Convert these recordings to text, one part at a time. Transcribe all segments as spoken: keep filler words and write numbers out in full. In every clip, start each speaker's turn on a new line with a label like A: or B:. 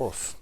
A: Olsun.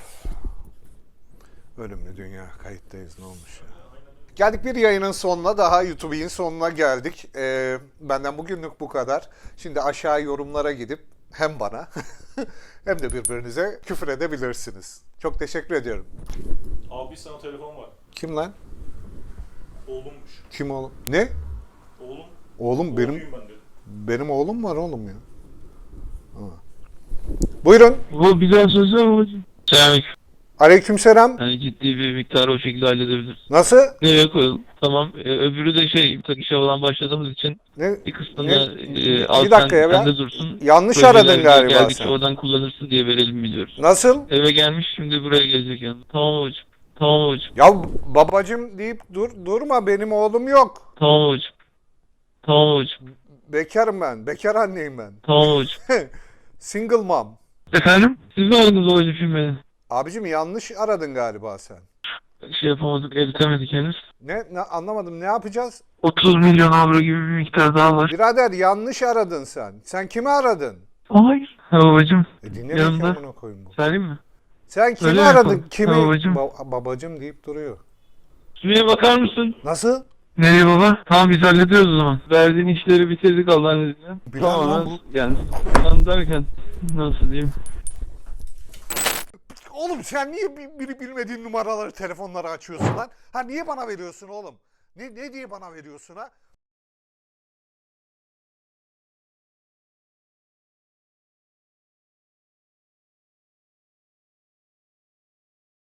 A: Ölümlü dünya, kayıttayız, ne olmuş ya. Geldik bir yayının sonuna, daha YouTube'un sonuna geldik. Ee, benden bugünlük bu kadar. Şimdi aşağı yorumlara gidip hem bana hem de birbirinize küfür edebilirsiniz. Çok teşekkür ediyorum.
B: Abi sana telefon var.
A: Kim lan?
B: Oğlummuş.
A: Kim oğlum? Ne?
B: Oğlum.
A: Oğlum benim
B: Oğluyum ben de.
A: benim oğlum var oğlum ya. Ha. Buyurun.
C: Bu bir daha söz var babacığım. Selamünaleyküm.
A: Aleykümselam.
C: Yani ciddi bir miktarı o şekilde halledebiliriz.
A: Nasıl?
C: Nereye koyalım? Tamam. Ee, öbürü de şey, tak işe falan başladığımız için
A: Ne?
C: bir kısmını
A: Ne?
C: e,
A: Bir
C: al sen,
A: dakika ya,
C: sende
A: ben-
C: dursun.
A: Yanlış
C: Projeler
A: aradın galiba
C: geldikçe
A: sen.
C: oradan kullanırsın diye verelim biliyoruz.
A: Nasıl?
C: Eve gelmiş, şimdi buraya gelecek yani. Tamam babacığım. Tamam babacığım.
A: Ya babacım deyip dur durma, benim oğlum yok.
C: Tamam babacığım. Tamam babacığım.
A: Bekarım ben. Bekar anneyim ben.
C: Tamam babacığım.
A: Single mom.
C: Efendim? Siz mi aradınız babacığım şimdi beni?
A: Abicim yanlış aradın galiba sen.
C: Şey yapamadık, eritemedik henüz.
A: Ne, ne anlamadım, ne yapacağız?
C: otuz milyon avro gibi bir miktar daha var.
A: Birader yanlış aradın sen. Sen kimi aradın?
C: Hayır. Ha babacığım.
A: E dinle
C: Yanında.
A: bakayım, amına koyayım bu.
C: Söyleyeyim mi?
A: Sen kimi
C: Öyle mi
A: aradın?
C: yapalım?
A: Kimi?
C: Ha, babacım.
A: Ba- babacım deyip duruyor.
C: Şuraya bakar mısın?
A: Nasıl?
C: Nereye baba? Tamam biz hallediyoruz o zaman. Verdiğin işleri bitirdik Allah'ın izniyle.
A: Bilal lan
C: Tamam
A: bu.
C: yani. Tam derken nasıl diyeyim?
A: Oğlum sen niye bir- biri bilmediğin numaraları, telefonları açıyorsun lan? Ha niye bana veriyorsun oğlum? Ne, ne diye bana veriyorsun ha?